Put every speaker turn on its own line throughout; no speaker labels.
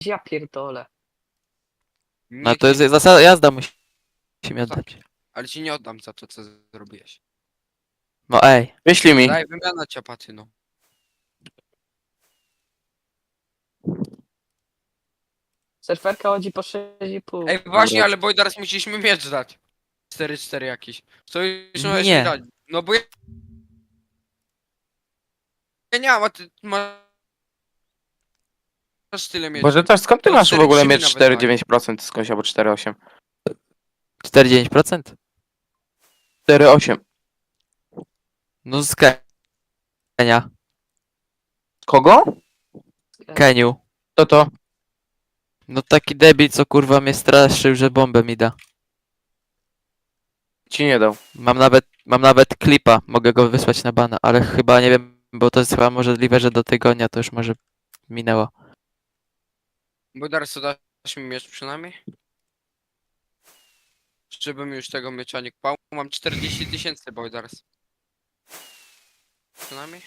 Ja pierdolę.
No to jest zasada, jazda musimy oddać.
Ale ci nie oddam za to, co zrobiłeś.
No ej.
Wyślij mi.
Daj wymiana ciapaty, no.
Surferka chodzi po 6,5.
Ej, właśnie, ale Boydars musieliśmy miecz dać. 4-4 jakiś. Co już możesz
Nie.
mi dać? No bo ja nie mam, a ty masz tyle miecz.
Boże, też skąd ty
To
masz w
4,3
ogóle mieć
nawet
4,9% skądś albo 4,8?
49%?
4,8.
No z Kenia.
Kogo?
Keniu.
To to?
No taki debil, co kurwa mnie straszył, że bombę mi da.
Ci nie dał.
Mam nawet klipa, mogę go wysłać na bana, ale chyba nie wiem, bo to jest chyba możliwe, że do tygodnia to już może minęło.
Boydars, to dasz mi miecz przynajmniej? Żebym już tego miecza nie kpał. Mam 40 000, Boydars. Przynajmniej?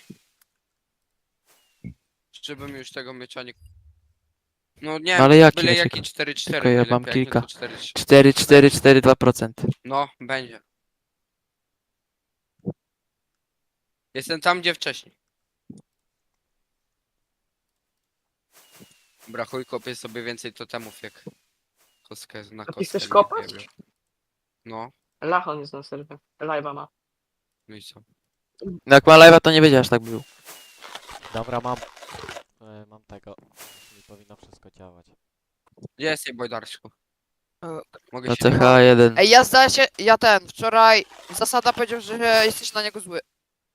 Żebym już tego miecza nie... No nie,
No ale jaki
byle
miecz?
jaki 4-4
Tylko ja mam
najlepiej, jak nie
kilka.
to 4-3.
4, 4, 4, 2%.
No, będzie. Jestem tam, gdzie wcześniej. Dobra, chuj, kopię sobie więcej totemów jak kostkę na
A ty
kostkę.
chcesz
nie
kopać?
wiem. No,
Lachon jest na serwie. Live'a ma.
no i co?
No jak ma live'a, to nie wiedział, aż tak był.
Dobra, mam tego. Mi powinno wszystko działać.
Gdzie jest jej Bojdarsku? Mogę
No
się...
CH1.
Ej, wczoraj zasada powiedział, że jesteś na niego zły.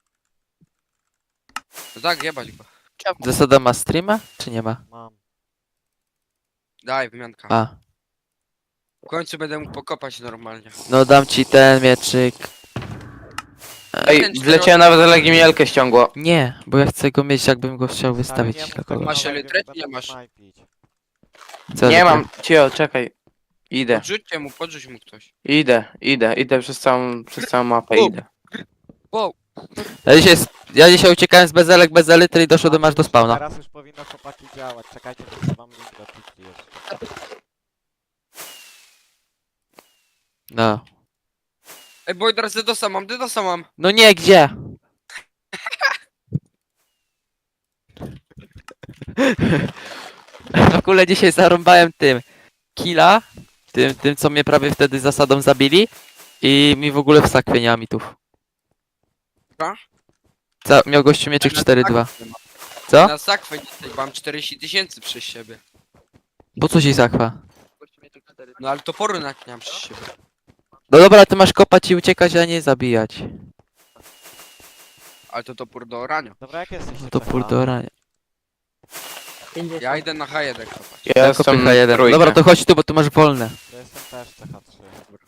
No tak, jebać go.
Czemu?
Zasada ma streama, czy nie ma?
Mam.
Daj, wymianka.
A.
W końcu będę mógł pokopać normalnie.
No dam ci ten mieczyk.
Ej, wleciałem nawet Legimielkę ściągło.
Nie, bo ja chcę go mieć, jakbym go chciał wystawić
Stary, nie
dla
mów tak
kogoś.
Masz
na
elytrę,
live'ie,
czy nie
będę
masz?
snajpić.
Co
Nie
za
mam. Cio, czekaj. Idę.
Podrzuć mu ktoś.
Idę przez całą mapę,
Bum.
idę.
Wow.
Ja dzisiaj uciekałem z bezelek, bez elitry i doszedłem aż do spawna.
Teraz już powinno chłopaki działać. Czekajcie, że wam link do Twitchi jeszcze.
No.
Ej, Boydars, Dedosa mam.
No nie, gdzie? W ogóle dzisiaj zarąbałem tym killa, tym co mnie prawie wtedy zasadą zabili i mi w ogóle w sakwie nie ma mitów.
Co?
Miał gościu mieczyk
Na
4-2.
sakwę mam.
Co?
Na sakwę dzisiaj mam 40 000 przez siebie.
Po co ci sakwa?
No ale toporu nawet nie mam przez siebie.
No dobra, ty masz kopać i uciekać, a nie zabijać.
Ale to topór do orania.
Dobra, jak jesteście?
No to
CH?
purdora.
50.
Ja idę na H1 kopać.
Ja jestem
H1.
trójkę.
Dobra, to chodź tu, bo tu masz wolne.
Ja jestem też CH3.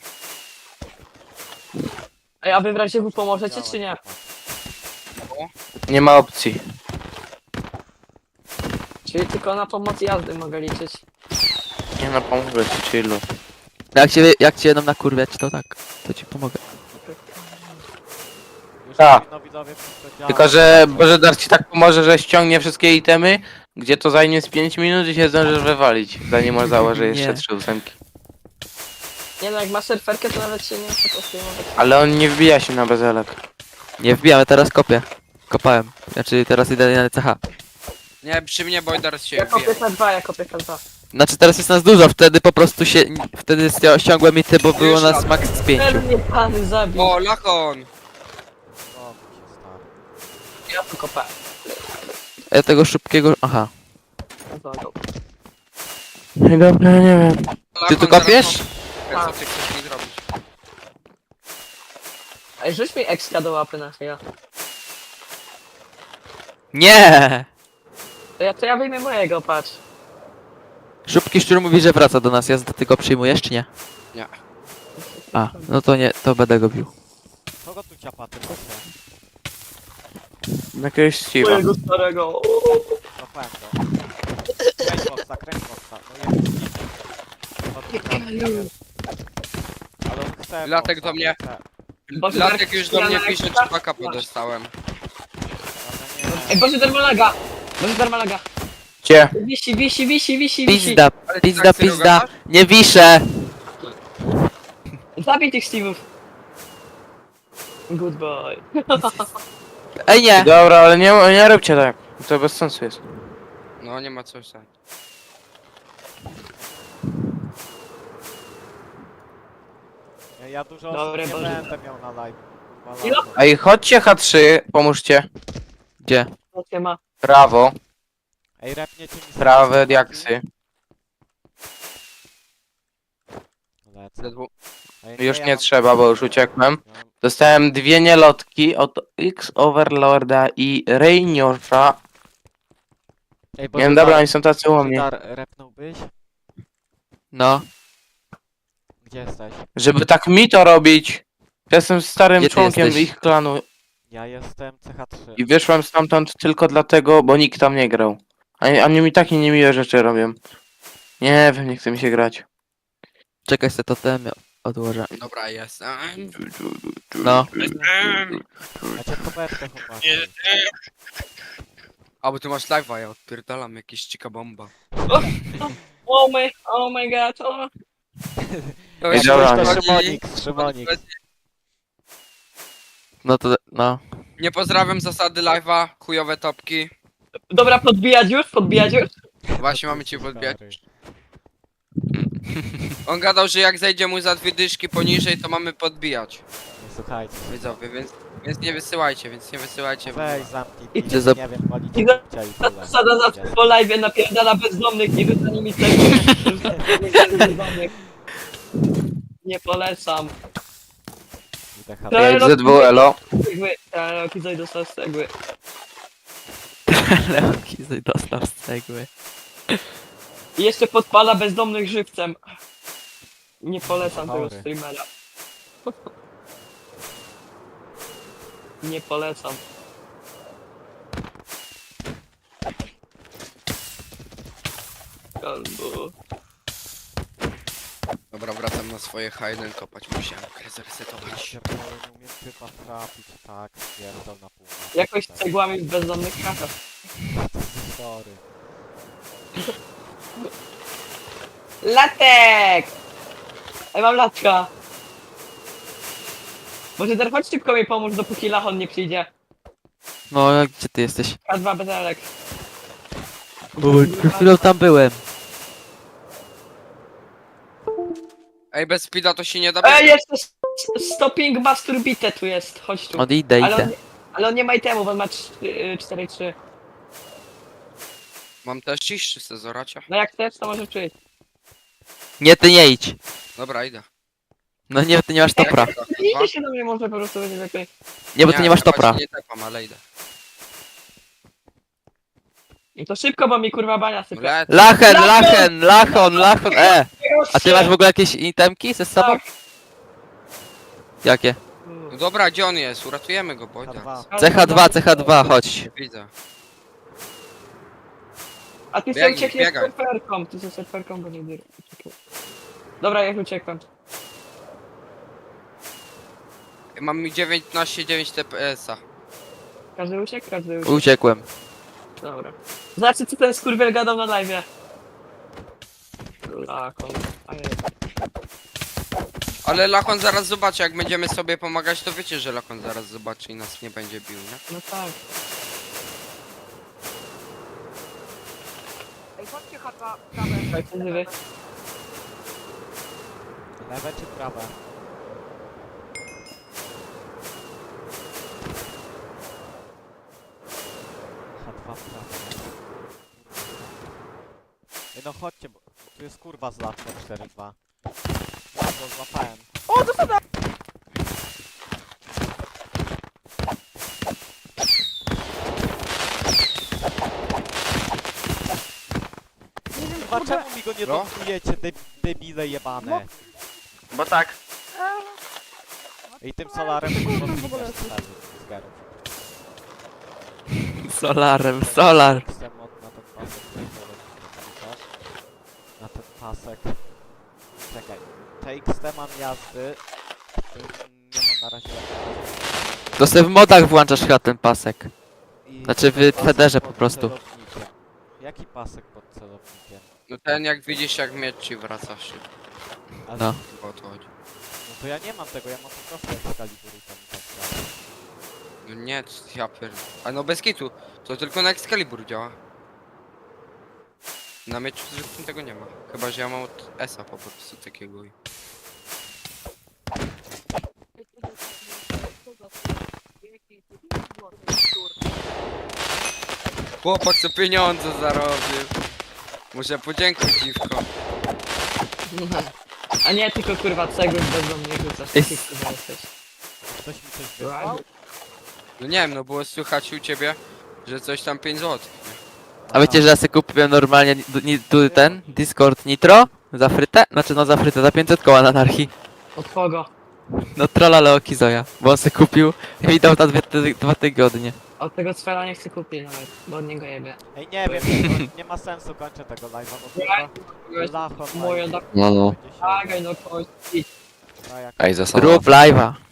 Ej, a wy w razie W pomożecie,
Działać,
czy nie?
chłopaki.
Nie ma opcji.
Czyli tylko na pomoc jazdy mogę liczyć.
Nie no, pomogę ci, chillu.
Jak cię jedną nakurwiać, to tak. To ci pomogę.
Już
Tak.
powinno widzowie wszystko działać.
Tylko, że Bożedar ci tak pomoże, że ściągnie wszystkie itemy, gdzie to zajmie z 5 minut i się zdążysz wywalić, zanim on założy jeszcze
Nie.
3 ósemki.
Nie no, jak masz surferkę, to nawet się nie muszę postępować.
Ale on nie wbija się na bezelek.
Nie wbijamy, teraz kopię. Kopałem. Znaczy teraz idę na CH.
Nie, przy mnie Boydars się
Ja kopię
wbije.
K2, ja kopię K2.
Znaczy teraz jest nas dużo, wtedy po prostu się... Wtedy ściągłem mity, bo było
Już
nas
lat.
max z 5.
Ten mnie pany zabił.
O, Lachon!
O, się stary.
Ja tu kopę.
Ja tego szybkiego... Aha.
Dobra, nie wiem.
Ty
Lachon,
tu
zaraz
kopiesz?
mam- Co ty chcesz mi zrobić?
Ej, rzuć mi ekstra do łapy na chwilę.
Nie!
To ja wyjmę mojego, patrz.
Szybki szczur mówi, że wraca do nas. Ja ty go przyjmujesz, czy nie?
Nie.
A, no to nie, to będę go bił.
Kogo tu ciapaty macie?
Jakiegoś Steve'a.
Mojego starego.
Złapałem go. Kręć boxa. No jest. Ale on chce
Latek
boxa,
do mnie.
chce.
Boże,
Latek
Darek,
już do mnie
ja
pisze,
na
czy baka dostałem.
Ale nie.
Ej, Boże, dermalaga! Boże, dermalaga!
Gdzie?
Wisi.
Pizda,
Ale ty
pizda,
tak serio
pizda.
gadasz?
Nie wiszę.
Zabij tych Steve'ów. Good boy.
Ej, nie.
Dobra, ale nie róbcie tak. To bez sensu jest.
No nie ma co stać.
Ja dużo
Dobre,
osób nie
Boże.
będę miał na live. Kurwa,
Ilo?
lato.
Ej, chodźcie H3, pomóżcie.
Gdzie?
Co się ma?
Prawo,
Ej, repniecie mi
prawe diaksy.
Lecę.
Ledwo.
Ej,
Już
ja
nie
mam-
trzeba, bo już uciekłem.
ja mam-
Dostałem 2 nielotki od X Overlorda i Rainiorza.
Ej,
Nie wiem, dobra, oni są tacy u mnie.
Repnąłbyś?
No.
Gdzie jesteś?
Żeby tak mi to robić. Ja jestem starym
Gdzie ty
członkiem
jesteś?
ich klanu
Ja jestem CH3.
i wyszłem stamtąd tylko dlatego, bo nikt tam nie grał. Oni mi takie niemiłe rzeczy robią. Nie wiem, nie chce mi się grać.
Czekaj, se to ten odłożę.
Dobra, jest.
No.
Macie kopertę, chłopaki.
A bo ty masz live'a, ja odpierdalam jakieś cika bomba.
Oh my god, o.
To
Ej,
jest
dobra,
coś
nie.
taki-
Szymonik.
No to, no.
Nie pozdrawiam zasady live'a, chujowe topki.
Dobra, podbijać już?
Właśnie mamy cię podbijać.
Stary.
On gadał, że jak zejdzie mu za 2 dyszki poniżej, to mamy podbijać.
Nie słuchajcie.
Widzowie, więc nie wysyłajcie,
Weź zamknij
I
pizdę,
za-
nie wiem, walić
i za-
cię i tyle.
Zasada zawsze po live napierdala bezdomnych i rzuca nimi cegły. Bezdomnych. Nie polecam.
Idę chatę.
Ale no-
ZWLO.
Cegły. Kizoj dostał z cegły.
Leoki dostał z cegły.
I jeszcze podpala bezdomnych żywcem. Nie polecam tego
Chory.
streamera. Nie polecam. Albo...
Dobra, wracam na swoje Hayden kopać, musiałem grę zresetować.
Pierdolę, nie umiem typa trafić, tak, pierdol na pół.
Jakoś z cegłami w bezdomnych kratach.
Sorry.
Latek! Ej, mam latka. Może teraz chodź szybko mi pomóż, dopóki Lachon nie przyjdzie.
No, a gdzie ty jesteś?
K2 bezelek.
Bo przed chwilą tam byłem.
Ej, bez speeda to się nie da.
Ej, jeszcze stopping masturbite tu jest. Chodź tu.
Idę.
Ale on nie ma itemów, on ma 4-3.
Mam też iść, czy chcę zoracia?
No jak chcesz, to może przyjść.
Nie, ty nie idź.
Dobra, idę.
No nie, ty nie masz topra.
Idzie się do mnie, może po prostu będzie lepiej.
Nie, bo ty nie masz topra.
właśnie Nie tepam, ale idę.
I to szybko, bo mi kurwa bania sypie.
Lecę.
Lachon, A ty masz w ogóle jakieś itemki ze sobą?
Tak.
Jakie?
No dobra, gdzie on jest? Uratujemy go, Bojda.
K2.
CH2, chodź.
Widzę.
A ty sobie
Biegnij,
uciekniesz z
biegaj.
surferką. Ty ze surferką go nie dyr. Dobra, jak uciekłem.
Mam 19,9 TPS-a.
Każdy uciekł? Każdy uciekł.
Uciekłem.
Dobra. Znaczy, co ten skurwiel gadał na live'ie. Lakon.
Ale Lakon zaraz zobaczy, jak będziemy sobie pomagać, to wiecie, że Lakon zaraz zobaczy i nas nie będzie bił, nie?
No tak. Ej, chodźcie chata, prawe.
Lewe czy prawe? H2 prawe. Ej, no chodźcie, bo tu jest kurwa z latką 4-2. Ja to złapałem. Kurwa, czemu mi go nie
No.
dotkujecie, debile jebane?
Bo tak.
I tym solarem kurwa zginiesz z garów.
Solar.
Chcę mod na ten pasek, na ten pasek. Czekaj, TXT mam jazdy. Nie mam na razie.
To sobie w modach włączasz chyba ten pasek.
I
Znaczy w
pasek
Federze
pod
po prostu.
celownikiem. Jaki pasek? pasek pod celownikiem.
No ten jak widzisz jak miecz ci wraca się.
Ale
No.
Bo o to chodzi.
no to ja nie mam tego, ja mam po prostu Excalibur i tam i tak dalej.
No nie, ja pierd... A no bez kitu. To tylko na Excalibur działa. Na mieczu zwykłym tego nie ma. Chyba, że ja mam od Esa po prostu takiego. Chłopak co pieniądze zarobił. Muszę podziękować dziwko.
A nie tylko kurwa cegły bezdomnych rzucasz, taki kurwa jesteś.
Ktoś mi coś wysłał?
No nie wiem, no było słychać u ciebie, że coś tam 5 zł.
A wiecie, że ja sobie kupiłem normalnie tu ten Discord Nitro za frytę? Znaczy no za frytę, za 500 koła na anarchii.
Od kogo?
No trolla Leoki Zoja, bo on sobie kupił i mi dał na 2 tygodnie.
Od tego cfela nie chcę kupić nawet, bo od niego jebie.
Ej, nie wiem, to nie ma sensu, kończę tego live'a, bo chyba Lacho
Moje
live
da...
No, no.
będzie się...
Agaj no kości.
A jak
Ej, zasada.
Rób live'a.